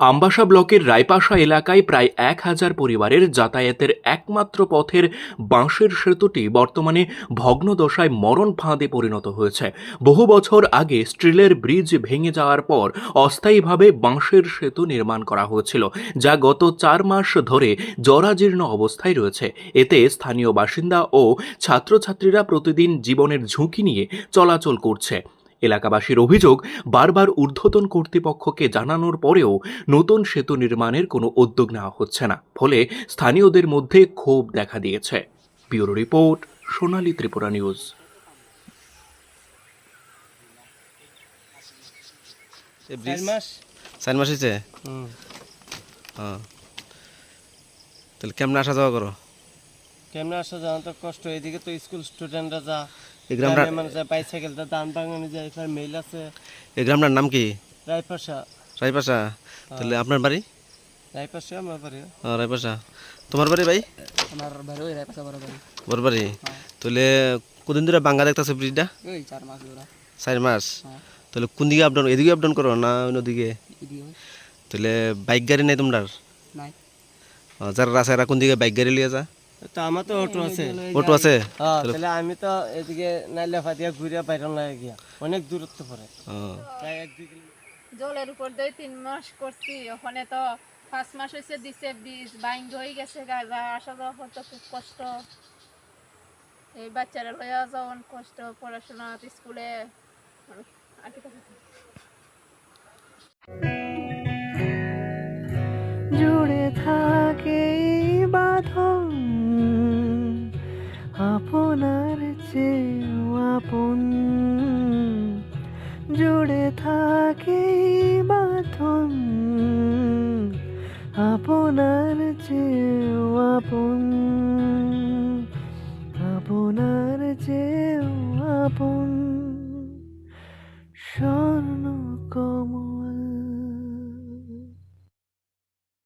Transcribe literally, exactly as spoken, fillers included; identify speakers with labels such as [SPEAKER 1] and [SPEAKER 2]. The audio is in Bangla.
[SPEAKER 1] আমবাসা ব্লকের রায়পাশা এলাকায় প্রায় এক হাজার পরিবারের যাতায়াতের একমাত্র পথের বাঁশের সেতুটি বর্তমানে ভগ্নদশায় মরণ ফাঁদে পরিণত হয়েছে। বহু বছর আগে স্টিলের ব্রিজ ভেঙে যাওয়ার পর অস্থায়ীভাবে বাঁশের সেতু নির্মাণ করা হয়েছিল, যা গত চার মাস ধরে জরাজীর্ণ অবস্থায় রয়েছে। এতে স্থানীয় বাসিন্দা ও ছাত্রছাত্রীরা প্রতিদিন জীবনের ঝুঁকি নিয়ে চলাচল করছে। এলাকাবাসীর অভিযোগ, বারবার ঊর্ধ্বতন কর্তৃপক্ষকে জানানোর পরেও নতুন সেতু নির্মাণের কোনো উদ্যোগ নেওয়া হচ্ছে না, ফলে স্থানীয়দের মধ্যে ক্ষোভ দেখা দিয়েছে। Bureau report, Sonali Tripura news.
[SPEAKER 2] চার মাস হয়েছে। হ্যাঁ, তাহলে কেমন আসা যাওয়া করো?
[SPEAKER 3] কেমনে আসা যাওয়া তো কষ্ট। এদিকে তো স্কুল স্টুডেন্টরা যা,
[SPEAKER 2] এই গ্রামটা
[SPEAKER 3] গ্রামের মানুষ যায় বাইসাইকেলটা দান বাগানে যায়, এখানে মেল আছে।
[SPEAKER 2] এই গ্রামটার নাম কি?
[SPEAKER 3] রায়পাশা।
[SPEAKER 2] রায়পাশা। তাহলে আপনার বাড়ি?
[SPEAKER 3] রায়পাশা আমার বাড়ি।
[SPEAKER 2] হ্যাঁ, রায়পাশা। তোমার বাড়ি ভাই?
[SPEAKER 3] আমার বাড়ি ওই রায়পাশা বড় বাড়ি।
[SPEAKER 2] বড় বাড়ি। তাহলে কদিন ধরে বাঙ্গা দেখতেছে ব্রিজটা?
[SPEAKER 3] ওই চার মাস ধরে।
[SPEAKER 2] চার মাস। তাহলে কোন দিকে আপডাউন, এদিকে আপডাউন করো না অন্যদিকে? তাহলে বাইক গাড়ি নাই তোমরা?
[SPEAKER 3] নাই।
[SPEAKER 2] যারা রাস্তায় কোন দিকে বাইক গাড়ি লিয়ে যা?
[SPEAKER 3] তো আমার তো অটো আছে।
[SPEAKER 2] অটো আছে?
[SPEAKER 3] হ্যাঁ, তাহলে আমি তো এদিকে নাইলে ফাটিয়া ঘুরে বাইরন লাগে গিয়া, অনেক দূরত্ব পড়ে। প্রায় এক দুই কিলোমিটার।
[SPEAKER 4] জলের উপর দিয়ে তিন মাস করছি, ওখানে তো পাঁচ মাস হয়েছে দিছে, বীজ বাইং হয়ে গেছে, গাড়ি আসা যাওয়া করতে খুব কষ্ট। এই বাচ্চারা লইয়া যাওয়ান কষ্ট, পড়াশোনা স্কুলে আর কি কথা।
[SPEAKER 5] জুড়ে থাকে বাঁধন আপনার চেয়েও আপন, জুড়ে থাকে বাঁধন আপনার চেয়েও আপন, আপনার চেয়েও আপন।